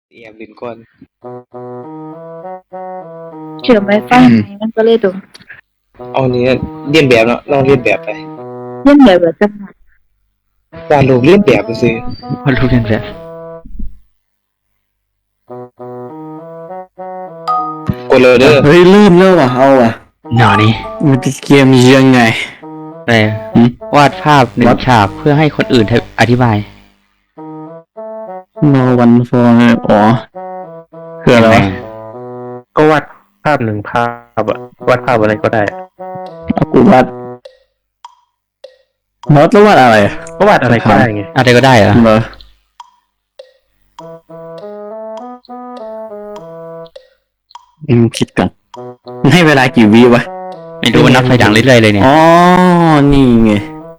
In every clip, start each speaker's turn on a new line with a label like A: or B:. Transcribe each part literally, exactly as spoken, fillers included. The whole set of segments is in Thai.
A: เอียมลินก่อน
B: เชื่อมไวไฟไหมมันก็เลยตรง
A: เอาเนี้ยเลียนแบบเนาะลองเลียนแบบไป
B: เล่นแบบแบบจังหวะ
A: วาดรูปเลียนแบบไปสิ
C: วาดรูปเรียนแบบ
A: กดเลยเด้อ
D: เฮ้ยลืมแล้วว่ะเอาว่ะ
C: หนอนี่
D: มันเป็นเกมยังไง
C: อะไร
D: หืม
C: วาดภาพหนึ่ง
D: วัด
C: ฉากเพื่อให้คนอื่นอธิบาย
D: no one for อ๋อคืออะไรวะ
E: ก็วาดภาพหนึ่งภาพอะวาดภาพอะไรก็ได้อะ
D: เอากูวาดมอสแล้ววาดอะไรอะ
E: ก็วาดอะไรก็ได้ไง
C: อะไรก็ได้เหรอ
D: เหรออืมคิดก่อนมันให้เวลากี่วิวะ
C: ไม่รู้ว่านับถอยหลังเรื่อยๆเลยเนี่ย
D: อ๋อนี่ไง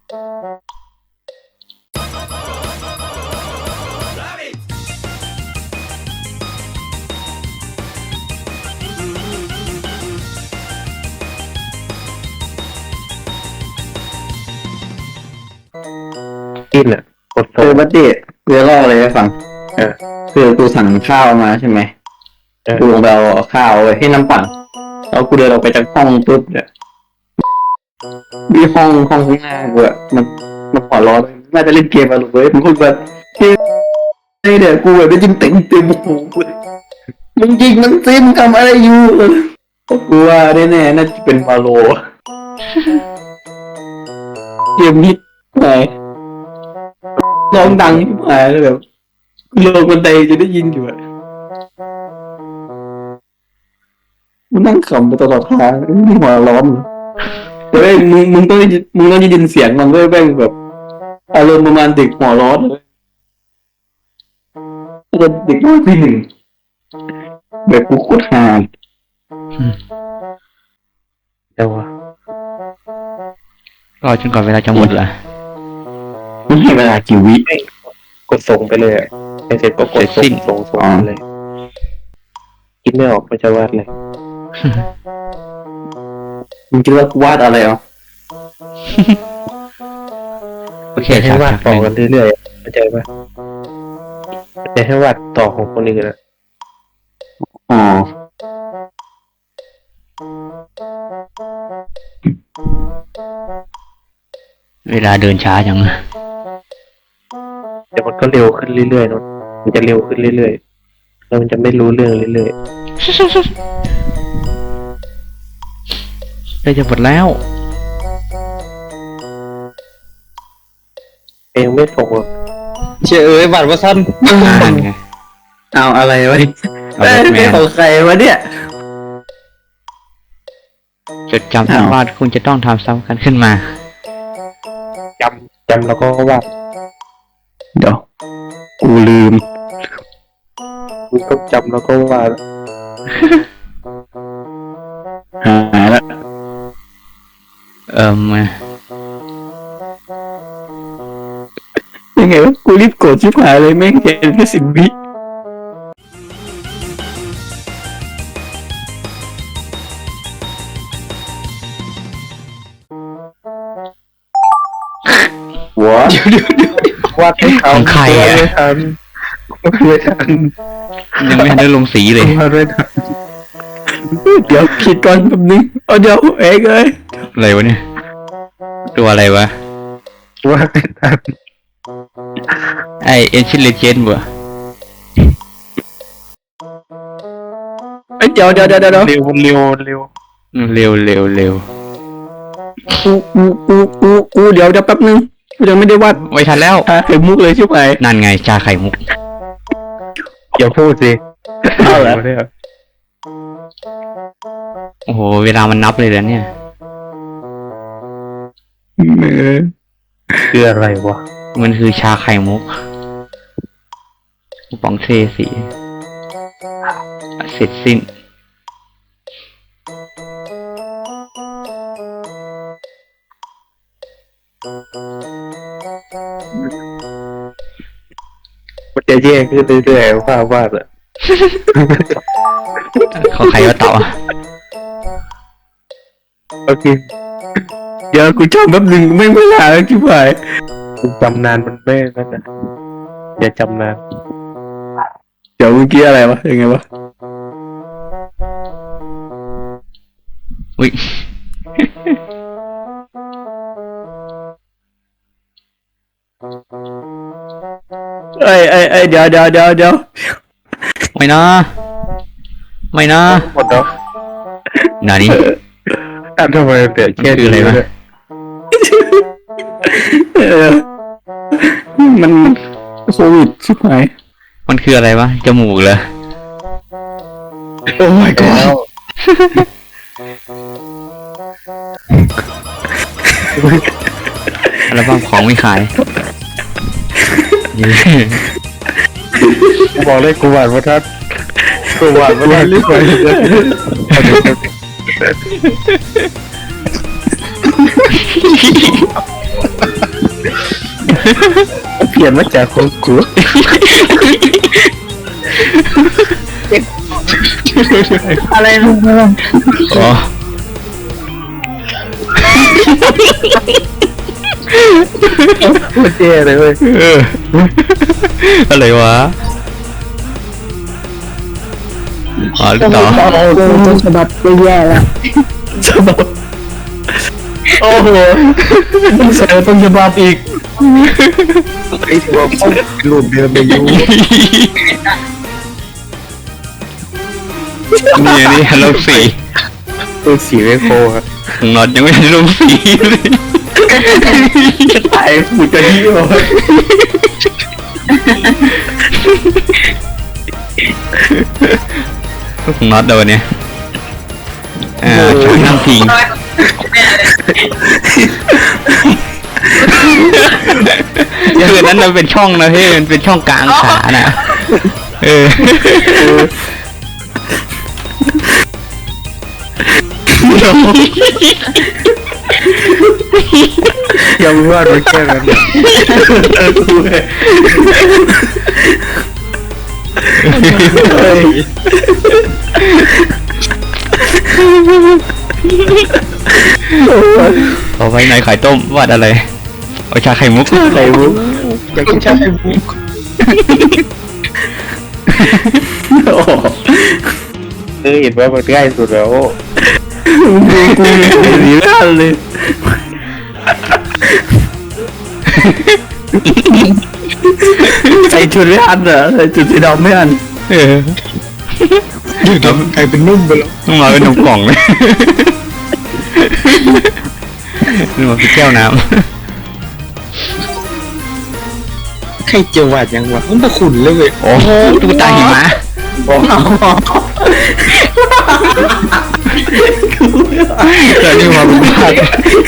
E: กินอะกด
D: เออบัดดี้กูจะเล่าอะไรให้ฟัง
E: เออ
D: คือกูสั่งข้าวมาใช่ไหม
E: เออ
D: กูลงไปเอาข้าวไว้ให้น้ำปั่นแล้วกูเดินออกไปจากห้องปุ๊บเนี่ยมีห้องห้องข้างหน้ากูอะมันมันหัวร้อนน่าจะเล่นเกมอะลูกเว้ยมันพูดแบบเฮ้ยเดี๋ยวกูแบบได้ยินเต็มเต็มหูเลยมึงยิงมันซิมทำอะไรอยู่กูว่าแน่ๆน่าจะเป็นวาโลเกมฮิตไหนร้องดังที่หายเลยแบบลงบันไดจะได้ยินอยู่อะมันนั่งขำไปตลอดทางไม่หัวร้อนแต่แม่งมึงมึงต้องได้ยินมึงต้องได้ยินเสียงมันด้วยแม่งแบบอารมณ์ประมาณเด็กหัวร้อนเลยถ้าจะเด็กน้อยปีหนึ่งแบบกูโคตรฮา
E: เดี๋ยววะ
C: รอจนกว่าเวลาจะหมดเหรอ
D: มันให้เวลากี่วิ
E: กดส่งไปเลยอะไอเสร็จก็กดส่งส่งส่ง
D: อ๋อ
E: ไปเลยคิดไม่ออกมันจะวาดอะไร
D: มึงคิดว่ากูวาดอะไรอ่ะ
C: โอเค
E: จะให้
C: ฉาก
E: วาด
C: ฉากห
E: ต่อ
C: นึ่ง
E: กันเรื่อยๆเข้าใจปะจะให้วาดต่อของคนอื่นอะ
D: อ๋อ
C: เวลาเดินช้าจัง
E: เดี๋ยวมันก็เร็วขึ้นเรื่อยๆเนอะมันจะเร็วขึ้นเรื่อยๆแล้วมันจะไม่รู้เรื่องเรื่อย
C: ใกล้จะหมดแล้ว
E: ๆเองไม่ส่งอะ
A: เชื่อเอ้ยบัตรว่าสั้น
C: อ่านไง
D: เอาอะไรวะเนี่ย
C: เอาแบทแมน
D: เป็นของใครวะเนี่ย
C: จดจำทั้งวาดคุณจะต้องทำซ้ำกันขึ้นมา
E: จำจำแล้วก็วาด
D: เดี๋ยวกูลืม
E: คุณต้องจำแล้วก็วาด
D: หายละ
C: เอ่ม
D: ยังไงวะกูรีบกดชิบหายเลยแม่งเห็นแค่สิบวิหัว
E: วาดไม่ทั
C: ข
E: น
C: องใคร
E: วาด
C: อ่ะ
E: ไม่ทันวาดไม่ทัน
C: ยังไม่ทันได้ลงสีเลย
E: วาดไม่ทัน
D: เดี๋ยวคิดก่อนแป๊บนึงเอาเดี๋ยวเองเลย
C: อะไรวะเนี่ย ตัวอะไรวะ
E: วาดไม่ทัน
C: ไอเอ็นชิเลเจนบ่
D: เอ้ยเดี๋ยวเดี๋ยวเดี๋ยวเดี๋ยว
E: เร็วเร็วเร็ว
C: เร็วเร็วเร็ว
D: กูกูกูกูกูเดี๋ยวเดี๋ยวแป๊บนึงกูยังไม่ได้วาด
C: ไม่ทันแล้ว
D: หาไข่มุกเลยชิบหาย
C: นั่นไงชาไข่มุก
E: อย่าพูดสิ
D: เอาเหรอ
E: เนี่ย
C: โอ้โห เวลามันนับเลยแล้วเนี่ย
D: เออ
E: คืออะไรวะ
C: มันคือชาไข่มุกปองเซสีเสร็จสิ้น
E: มันจะแย่ขึ้นเรื่อยๆว่าวาดอะ
C: เขาใครก็ต่อ
E: โอเค
D: เดี๋ยวกูจำแป๊บนึงไม่เวลาแล้วชิบหาย
E: คุณจำนานมันไม่นั่นนะอย่าจำนาน
D: เดี๋ยวเมื่อกี้อะไรวะยังไงวะ
C: อุ้ย
D: เอ้ยเอ้ยเอ้ยเดี๋ยวเดี๋ยวเดี๋ยวเดี๋ยว
C: ไม่นะไม่นะ
E: หมดแล้ว
C: นานี่
E: อ่ะทำไมเปลี่ยนแค่
C: คืออะไรวะ
D: เออมันโควิดชิบหาย
C: มันคืออะไรวะจมูกเหรอ
D: โอ้ my
E: แล้
D: god
E: ว
C: อัลบั้มของไม่ขาย
E: กูบอกเลยกูหวานประทัดกูหวานประทัดรีบไปเลย
D: เปลี่ยนมาจากของกู
B: อะไรลุงเมือง
C: อ๋อ
E: โคตรเท่เลยเว้ย
C: เอออะไรวะอ๋อหรือต่อ
B: เจอต้นฉบับแย่ๆแล้ว
D: ฉบับโอ้โหต้องใส่ต้นฉบับอีก
E: ไอ้ตัวพ่อหลุดเดินไปอยู่
C: นี่นี่ฮัลโหลสี
E: ตัวสีไม่โคครับ
C: ของน็อตยังไม่ได้ลงสีเลย
D: จะตายผูจะเยี่ยว
C: ของน็อตเดี๋ยววันเนี้ยอ่าช่างนั่งพิงคือนั้นมันเป็นช่องนะเฮ้ยมันเป็นช่องกลางขาน่ะเออ
E: ยังไม่ว่ามันแค่นั้น
D: เออกูเลยเฮ้ย
C: เอาไว้ในไข่ต้มวาดอะไรเอาชาไข่มุก
D: ไข่มุก
E: อยากกินชาไข่มุก
D: โอ้โห
E: เออเห็นว่ามันง่ายสุดแล้ว
D: กูกูหนีไม่ทันเลยใส่ชุดไม่ทันเหรอใส่ชุดสีดำไม่ทัน
C: เออ
E: ไข่เป็นนุ่มไปแล้ว
C: ต้องมาเป็นนมกล่องเลยนี่มาเป็นแก้วน้
A: ใครเจียวหวาดยังวะมันตะขุนเลยเว้ย
C: ำโอ้โหตุ๊กตาหิมะ
D: บอกเอา
C: เกิดนี่มาเป็นบ้าน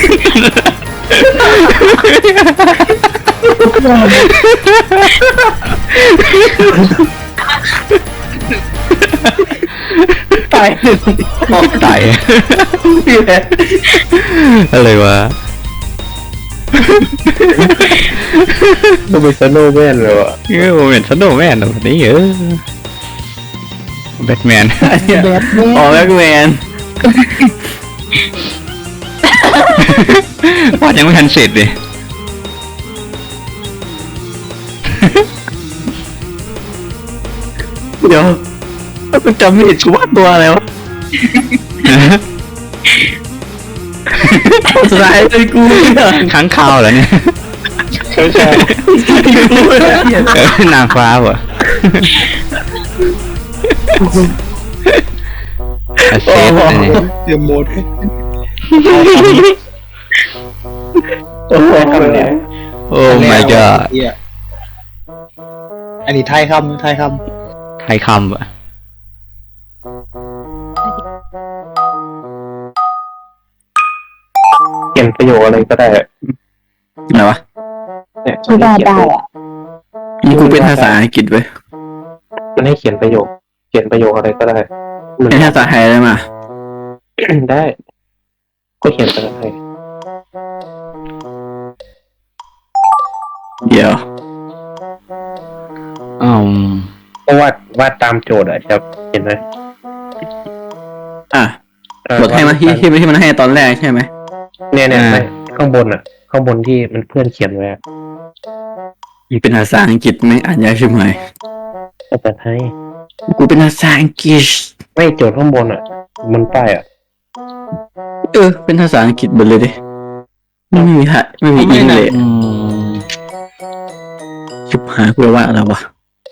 D: ตายหนึ่ง
C: ตาย
D: พี่แหละ
C: อะไรวะ
E: ต้องเป็นสโนว์แมนเลยวะ
C: เออผมเห็นสโนว์แมนแบบนี้เออแบทแมน
B: แบบนี้
D: อ๋อแบ็กแมน
C: วาดยังไม่ทันเสร็จเลย
D: เดี๋ยวถ้าเป็นจำไม่ผิดกูว่าตัวอะไรวะสุดท้ายเลยกูเนี่ย
C: ค้างคาวเหรอเนี่ย
E: ใช่ใช่
D: กูเนี่ย
C: เออนางฟ้าเหรออาเซฟอันนี้
A: เตรียมโมด
D: โอ้โหเนี่ย
C: โอ้ my god
A: เหี้ยอันนี้ไทยคำไทยค
C: ไทยคำอะ
E: เขียนประโยคอะไรก็ได้
D: อะไรวะ
E: เนี่ย
B: ที่ได้ได้อะ
D: นี่กูเป็นภาษาอังกฤษเว้ย
E: มันให้เขียนประโยค เขียนประโยคอะไรก็ได้มัน
D: เป็นภาษาไทยได้มา
E: ได้ ก็เขียนภาษาไทย
D: เดี๋ยว
C: อืม
E: ก็วาดวาดตามโจทย์อะครับเห็นไหม
D: อ่ะ
E: เออบ
D: ทให้มาที่ที่ที่มันให้ตอนแรกใช่ไหม
E: เนี่ยเนี่ยไม่ข้างบนอะข้างบนที่มันเพื่อนเขียนไว้อะ
D: อีเป็นภาษาอังกฤษไม่อ่านยากใช่ไหม
E: ภาษาไทย
D: กูเป็นภาษาอังกฤษ
E: ไม่โจทย์ข้างบนอ่ะมันป้ายอ่ะ
D: เออเป็นภาษาอังกฤษหมดเลยดิไม่มีฮะไม่มีอิงเลย
C: อืม
D: ชิบหายกูว่าอะไรวะ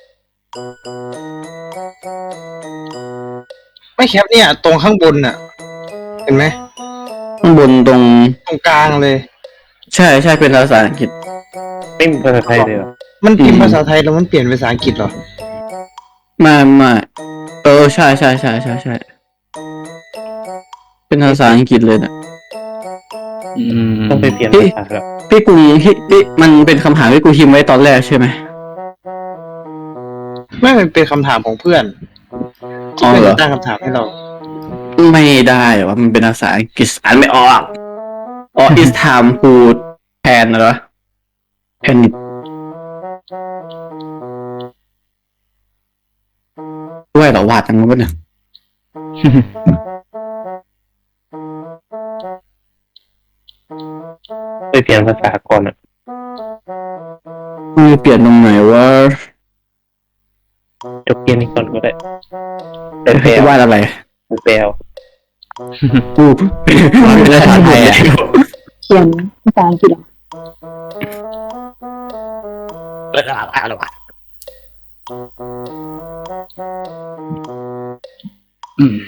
A: ไม่แคปเนี่ยตรงข้างบนน่ะ เห็นไหม
D: ข้างบนตรง
A: ตรงกลางเลย
D: ใช่ใช่เป็นภาษาอังกฤษ
E: ไม่มีภาษาไทยเลยเหรอ
A: มันพิม
D: อื
A: พ์
D: ม
A: ภาษาไทยแล้วมันเปลี่ยนเป็นภาษาอังกฤษเหรอ
D: ไม่ไม่เออใช่ใช่ใช่ใช่ใช่เป็นภาษาอังกฤษเลยนะ
C: อืม
E: ต้องไปเปลี่ยนภาษาแล้ว
D: พี่กูพี่พี่มันเป็นคำถามที่กูพิมพ์ไว้ตอนแรกใช่ไหม
A: ไม่มันเป็นคำถามของเพื่อน
D: อ๋อ
A: เพื่อน
D: เหรอ
A: จะตั้งคำถามให้เรา
D: ไม่ได้วะมันเป็นภาษาอังกฤษอ่านไม่ออกอ๋อ is time to pan เหรอ panic ด้วยเหรอวาดจังวะเนี่ย
E: ไปเปลี่ยนภาษาก่อนอ่ะ
D: มีเปลี่ยนตรงไหนวะ
E: จบเกมนี้ก่อนก็ได้แต่แปล
D: จะวาดอะไร
E: แปล
D: กูเป็นภาษาไทยอะ
B: เขียนภาษาอังกฤษอะ
C: อืม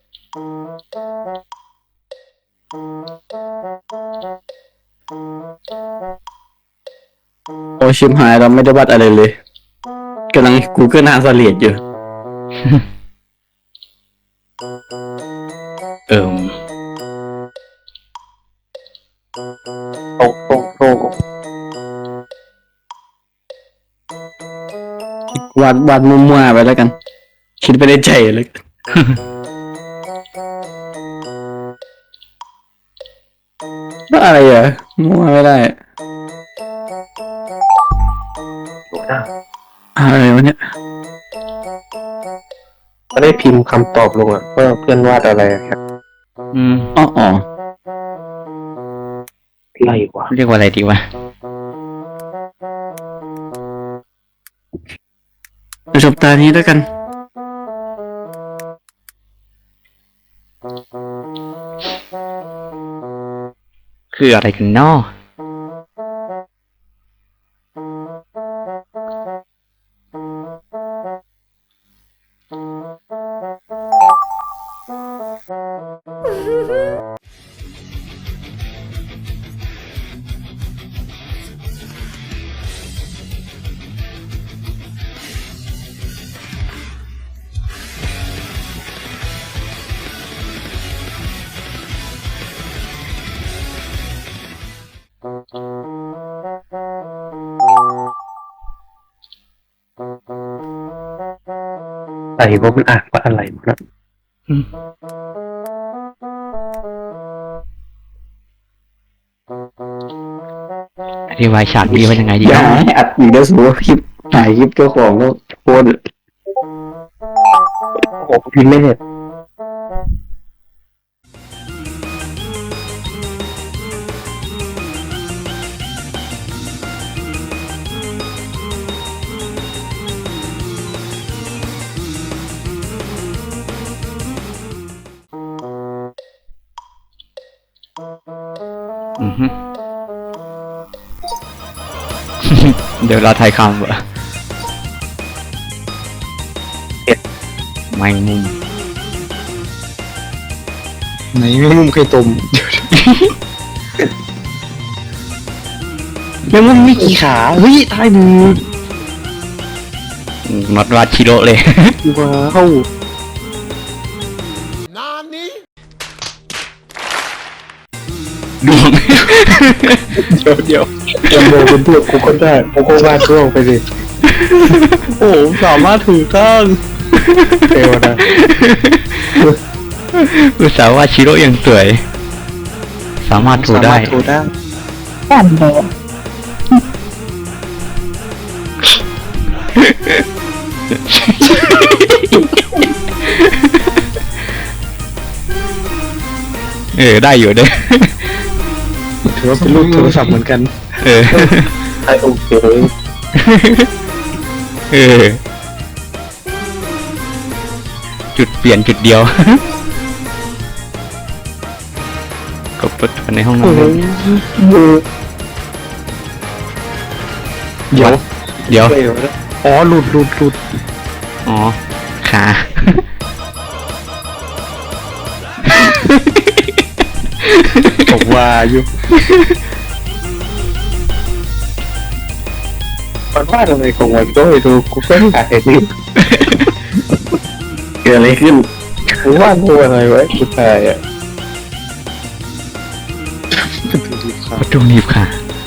D: โอชิมหายเราไม่ได้วาดอะไรเลยกำลัง Google Translate อยู่
C: เอิม
E: โตโตโต
D: วาดวาดมั่วๆไปแล้วกัน คิดไปได้ใจเลย ว่าอะไรอ่ะมั่วไม่ได้
E: ถูกนะ
D: อะไรวะเนี่ย
E: ก็ได้พิมพ์คำตอบลงอ่ะว่าเพื่อนวาดอะไรอะครับ
C: อืม
D: อ๋ออ๋อ
E: ไล่กว่า
C: เรียกว่าอะไรดีวะ
D: จบตานี้แล้วกัน
C: คืออะไรกันเนาะ
E: ใส่ว่ามันอ่านว่าอะไรนะ
C: อืมอธิบายฉากนี้ว่ายังไงดี
D: อย่า
C: เนาะ
D: ให้อัดอีกแล้วสูคลิปถ่ายคลิปเจ้าของแล้วโคตร
E: โอ้พิมพ์ไม่เห็น
C: อือฮึ เดี๋ยวเราถ่ายคำเหรอแมงมุม
A: ไหนแมงมุมไข่ต้ม แมงมุมมีกี่ขา เฮ้ยตายหนึ่ง
C: น็อตวาชิโร่เลย
A: ว้าว
C: ดวง
A: เดี๋ยวเดี๋ยว
E: จำโบเป็นพวกกูก็ได้กูก็วาดร่วงไปดิ
A: โอ้สามารถถูกต้อง
E: เอวนะ
C: อุตส่าห์ว่าชิโร่ยังสวย สามารถถูได้
A: สามารถถูได้
B: แอนเลย
C: เออ ได้อยู่เด้อ
A: ถือว่าเป็นรูปโทรศัพท์เหมือนกัน
C: เออ
E: ไอโอเค
C: เออจุดเปลี่ยนจุดเดียว กดเปิดในห้องนอน
A: เดี๋ยว
C: เดี๋ยว
A: อ๋อหลุดหลุดหลุด
C: อ๋อ ขา
A: ผมว่าอยู่มันว่าอะไรของมันก็ไม่รู้กูก็หาเห็นอยู่
D: เกิดอะไรขึ้น
A: กูว่ากูอะไรไว้กูตายอ่ะ
C: ประตูหนีบขา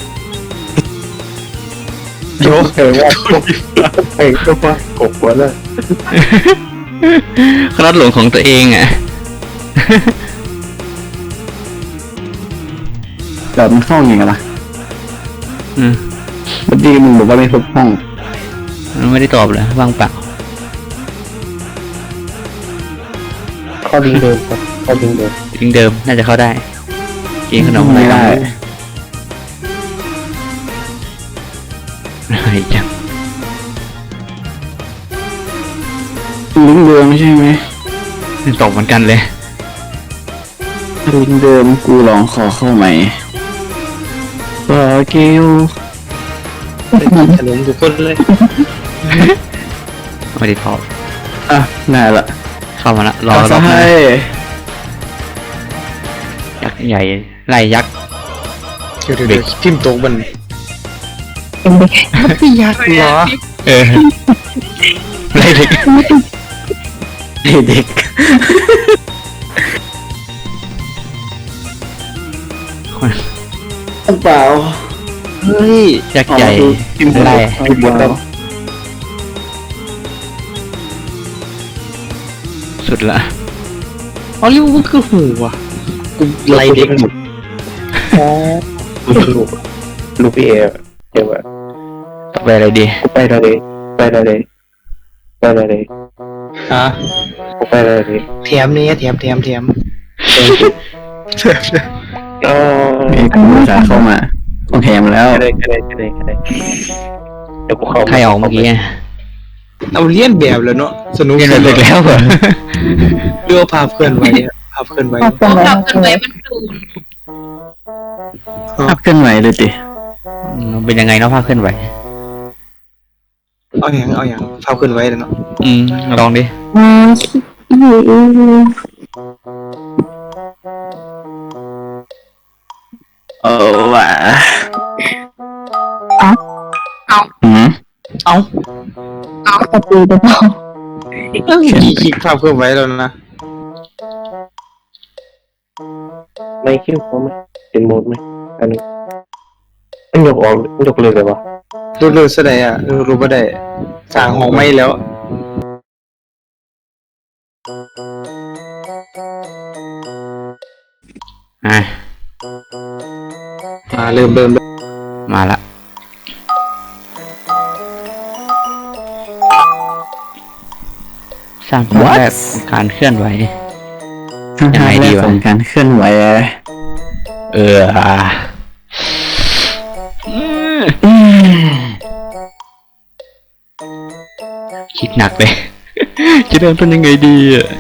A: เดี๋ยวเห็นว่าเห็นก็ว่ากบวะเลย
C: คลอดหลงของตัวเองอ่ะ
D: แบบมันเข้าอย่างไงล่ะ
C: อืม
D: เมื่อกี้มึงบอกว่าไม่พบห้อง
C: มันไม่ได้ตอบเลยว่างเปล่า
E: เข้าลิงก์เดิมครับเข้าลิงก์เดิม
C: ลิงก์เดิมน่าจะเข้าได้ กินขนมอะไร
D: ไม่ได้
C: อะไรจัง
D: ลิงก์เดิมใช่ไหม
C: ตอบเหมือนกันเลย
D: ลิงก์เดิมกูลองขอเข้าใหม่บอเกล
A: ขนมทุกคนเลย
C: ไม่ได้ตอบ
D: อ่ะได้ละ
C: เข้ามาละรอ
D: เอา
C: ร
D: ซะ
C: อบหน้า
D: ให้
C: ยักษ์ใหญ่ไล่ยักษ์
A: เดี๋ยวเดี๋ยวเดี๋ยวทิมโต๊ะมัน
B: เป็นเด็ก
A: ไม่ยากเหรอ
C: เออไล่เด็ก
D: เด็ก เปล่า
A: เฮ้ย
C: ยักษ์ใหญ่
D: ทิมบน
C: ไล่
D: ทิมบนต้อง
C: สุดละ
A: อ๋อเรียกว่ามันคือหูอ่ะกูไล่เด็กหมดอ๋อ
E: ลูกลูกพี่เอเดี๋ยวว่า
C: ไปอะไรดี
E: ไปได้เลยไปได้เลยไปได้เลย
A: ฮะ
E: ไปได้เลย
A: แถมนี้แถมแถมแถม
E: อ๋อ
D: มีกูจะเข้ามาต้องแถมแล้ว
E: ก็ได้ก็ได้ก็ได้ก็ได้เดี๋ยวกูเข้า
C: ใครออกเมื่อกี้
A: เอาเลียนแบบแล้วเนาะสนุก
C: เรียนเด็กแล้วเหรอ
A: เรื่องภาพเคลื่อนไหวอะภาพเคลื่อนไหว
B: ภาพเป็น
F: กลับ
B: อะ
F: กัน
B: ไร
F: ไว้มันดูน
D: ภาพเคลื่อนไหวเลยติ
C: อืมเป็นยังไงเนาะภาพเคลื่อนไหว
A: เอาอย่างเอาอย่างภาพเคลื่อนไหวแล้วเนาะ
C: อืมลองดิ
B: มาคิดอยู่
D: เออว่ะ
B: เอา
D: หืม
A: เอา
B: ปกติหรือเปล่า
A: กี่คลิกภาพเคลื่อนไหวแล้วนะ
E: ไม่คิดว่าไหมเป็นโหมดไหมอันนี้มันยกออกมันยกเลยเลยวะ
A: รู้รู้สดายอ่ะรู้รู้บ่ได้สร้างห้องไม่แล้ว
C: อ่ะ
A: มาเริ่มเริ่มเริ่ม
C: มาละสร้างภาพแรกของการเคลื่อนไหว ยังไงดีวะ
D: ของการเคลื่อนไหว
C: เอออ่ะคิดหนักเลย จะเริ่มต้นยังไงดีอ่ะ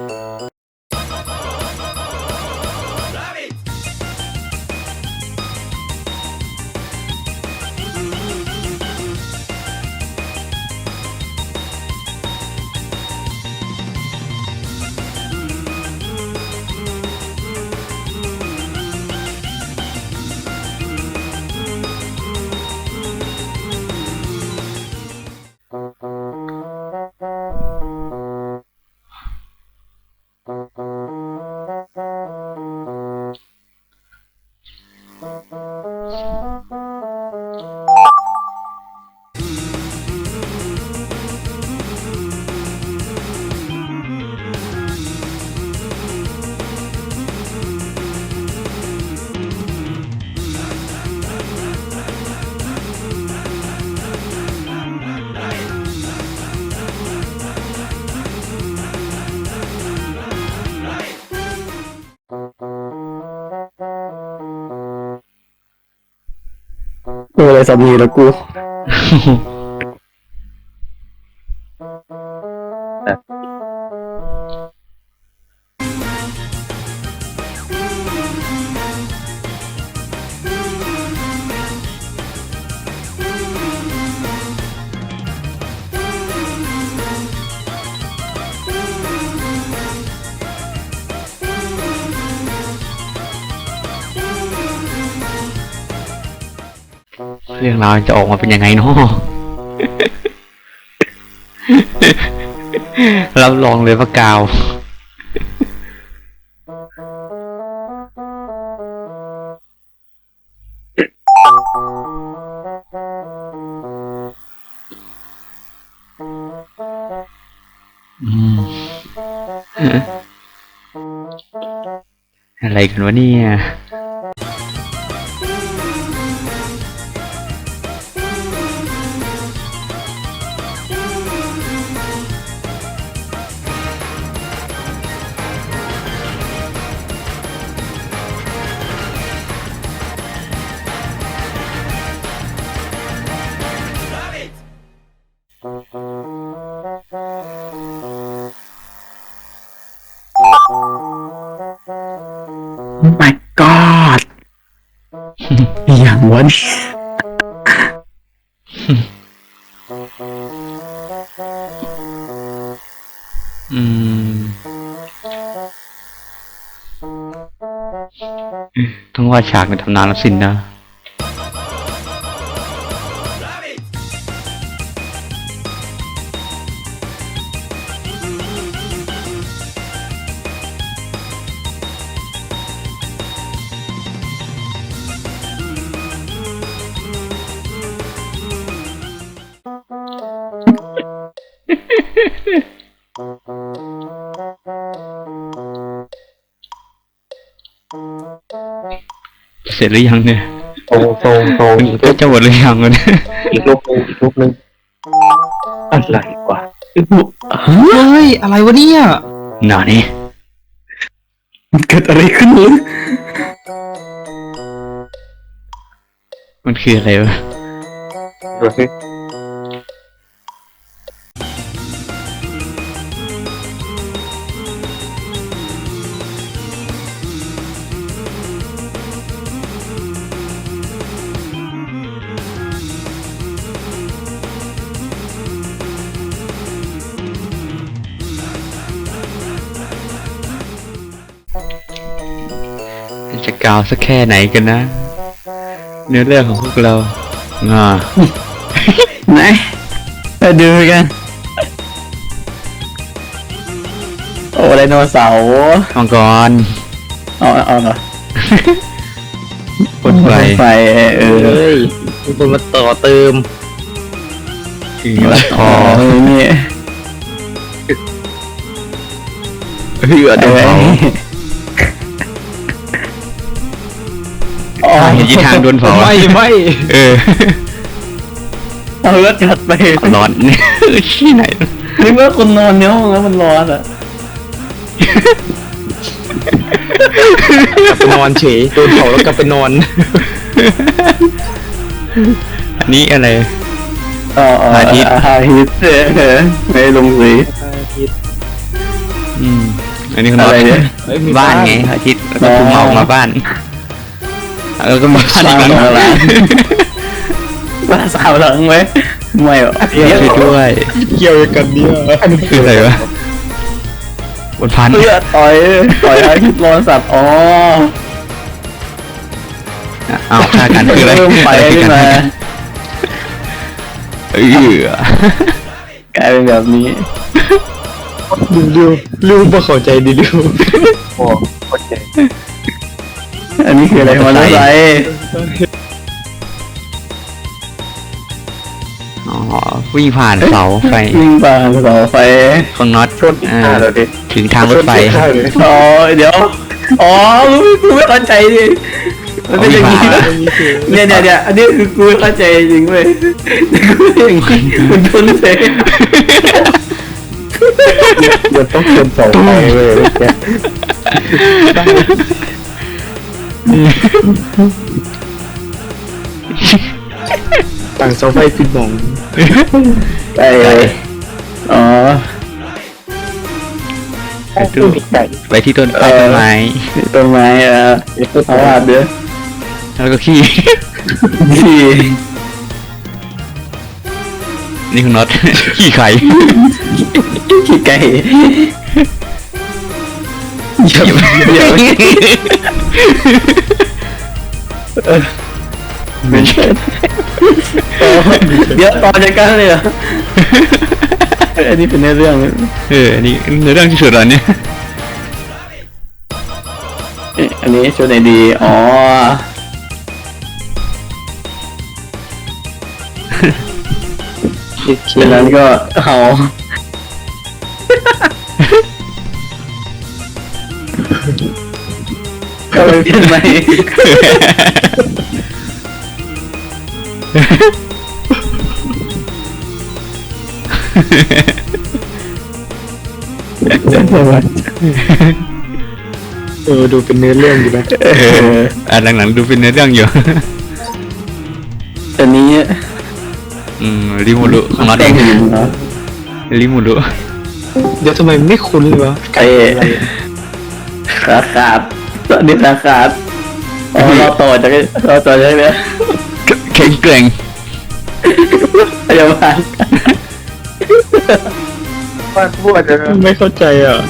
D: กูอะไรสามีแล้วกู
C: เเรื่องราวจะออกมาเป็นยังไงเนาะ รับรองเลยว่ากาว อืม อะไรกันวะเนี่ย
D: my god อย่างวะเนี่ย
C: อืม ต้องว่าฉากในตำนานแล้วสินนะ เสร็จหรือยังเนี่ย
E: ตรงตรงตรง
C: มัน
E: อีก
C: ก็จะหมดหรือยังวะเนี่ย
E: อีกรูปนึงอีกรูปนึงอะไรวะ
A: เฮ้ย อะไรวะเนี่ย
C: หนานี่
D: มันเกิดอะไรขึ้นเลย
C: มันคืออะไรวะ
E: ดูสิ
C: จะกาวสักแค่ไหนกันนะ เนื้อเรื่องของพวกเราอ่า
D: ไหนมาดูกัน โอ้ไดโนเสาร์
C: มังกร
D: เอาเอาเหรอ
C: พ่นไฟ
D: ไฟเออ
A: เฮ้ยมีคนมาต่อเติม
C: ถือละคอ
D: เออนี่
C: เหือด
D: เอ
C: เผา
D: อ๋อ
C: เห็นยีทางโดนเผา
A: ไม่ไม่
C: เออ
D: เอาเลือดจัดไป
C: ร้อน ที่ไหน
D: นึกว่าคนนอนเนี้ยแล้วมันร้อนอ่ะ
A: กลับไปนอนเฉยโดนเผาแล้วกลับไปนอน
C: อันนี้อะไร
D: อ๋ออาทิตย์อาทิตย์เออไม่ลงสี
C: อืม อันนี้คือ
D: อะไรเนี่ย
A: เฮ้ยมี
C: บ้าน
A: บ้าน
C: ไงอาทิตย์แล้วก็ภูมิเมามาบ้านแล้วก็มาบ้านอีกหลัง
D: สร้างมาหลัง ว่าสาวหลังไหมไม่หรอ
C: ช่วยด้วย
A: เกี่ยวกันเนี่ย
C: คืออะไรวะบนพัน
D: เพื่อต่อยต่อยอาทิตย์ร้อนสัตว์อ๋อ
C: เอาฆ่ากันคืออะไร
D: เริ่มไป
C: อะไร
D: ขึ้น
C: กั
D: มา
C: เออก
D: ลายเป็นแบบนี้
A: เร็วเร็วบ่เข้าใจดิเร็ว
E: โอ้โอเค
D: อันนี้คืออะไรมอเตอร์ไซค์
C: อ๋อวิ่งผ่านเสาไฟ
D: วิ่งผ่านเสาไฟ
C: ของน็อต
E: ชนอีก
C: อ่า
E: ห้าแล้วดิ
C: ถึงทางรถไฟ
E: ชนอีกห้าเลย
D: อ๋อเดี๋ยวอ๋อกูไม่เข้าใจดิมันเป็นอย่างนี้เนี่ยเนี่ยเนี่ยอันนี้คือกูไม่เข้าใจจริงเว้ยกูอย่างนี้มันชนเสย
E: มันต้องชนเสาไฟเว้ยเมื่อกี้
A: ต่างเสาไฟปิดหมอง
D: ไอ้อ๋อ
C: ไปดูไปที่ต้น
D: เออ
C: ต้นไม้
D: ต้นไม้อ่ะเอาวาดเด้อ
C: แล้วก็ขี้
D: ที่
C: นี่คือน็อต ขี้ไข่
D: ขี้ไก่เดี๋ยวเดี๋ยว
C: ไม่ใช่
D: เดี๋ยวต่อจากกันเลยเหรออันนี้เป็นเนื้อเรื่อง
C: เออนี่เนื้อเรื่องที่สุดแล้วเนี่ย
D: เอ๊ะอันนี้ชุดไหนดีอ๋อฉะนั้นก็เอาก็ไปเปลี่ยนใหม่
A: เออดูเป็นเนื้อเรื่องอยู่นะ
C: เอออ่ะหลังๆดูเป็นเนื้อเรื่องอยู่
D: อันนี้
C: อืมริมูรุของเรา
D: แต่
C: เอง ง
D: หินเนาะ
C: ริมูรุ
A: เดี๋ยวทำไมไม่คุ้นเลยวะ
D: ไอ้ขาขาดตอนนี้ขาขาดอ๋อเราต่อจากเราต่อจากนี้
C: แข็งแกร่ง
D: พยาบาล
A: บ้านพูดจะไม่เข้าใจอ่ะ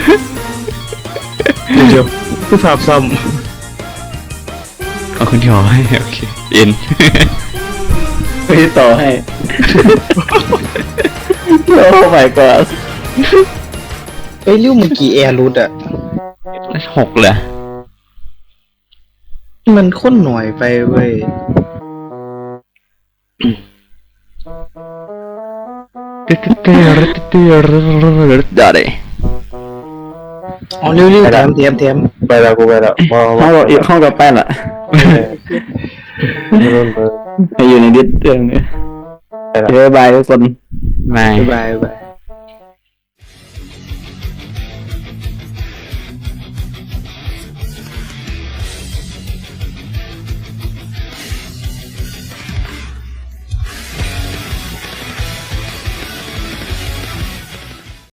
A: เดี๋ยวผู้ภาพซ้
C: เอาคุณที่หอให้โอเคเอ็น
D: ไม่ได้ต่อให้โอ้ my god
A: ำเอ้ยริ้วเมื่อกี้แอร์รูดอ่ะ
C: หกเหรอ
A: มันข้นหน่อยไปเว้ย
C: ได้เลย
A: อ๋อริ้วริ้วแถมแถมแถม
E: ไปแล้วกูไปแล้วมอง
D: ห้องกับห้องกับแป้นอะ
E: เริ่มเลย
D: ให้อยู่ในดิสเรื่องนี้บ๊ายบายทุกคน
C: ไม่
A: บ๊ายบายบ๊ายบาย